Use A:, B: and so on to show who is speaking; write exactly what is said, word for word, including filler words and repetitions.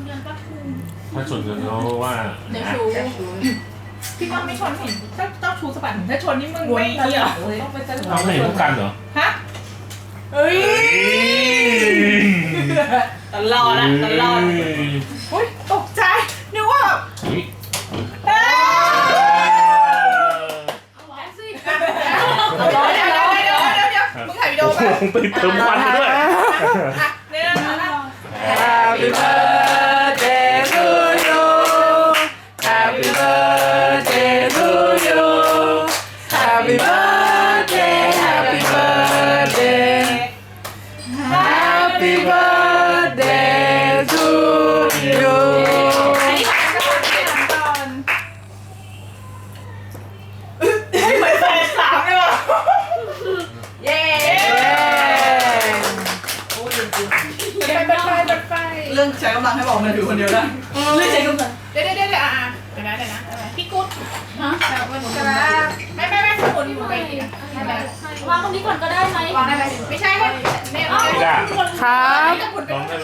A: ถ้าชนกันเขาว่า
B: เดี๋ยวชูพี่ว่าไม่ชนเห็นเจ้าเจ้าชูสะบัดถ้าชนนี่มึงไม่เกี่ยวต้องไปเจอ
A: เราไม่เห็นพวกกันเหรอ
B: ฮะเอ้ยตลอดอะตลอดอุ้ยตกใจนึกว่าเฮ้ยเดี๋ยวเดี๋ยวเดี๋ยวเดี๋ยวเดี๋ยวมึงถ่ายวิดีโอป่ะ
A: ไปเติมควันมาด้วย
B: เนี่ย
C: Happy birthday to you Happy birthday to you Happy birthday Happy birthday Happy birthday to you
B: ให้เหมือนแฟนสามเลยว่ะเย้เปิดไฟเปิดไฟ
C: เรื่องใช้กำลังให้บอกมันถือคนเดียวได้เรื่องใช้กำลัง
B: เดี๋ยวเดี๋ยวเดี๋ยวอ่ะเดี๋ยวนะเดี๋ยวนะพี่กุ๊ดฮะไม่ไม่ไม่สมุนไปไม่ไม่
D: วางตรงนี้ก่อนก็ได้ไหม
B: วางได้ไหมไม่ใช่ให้เนี่ย
A: ไม่ได้
C: ครับ
B: ให้สมุนไป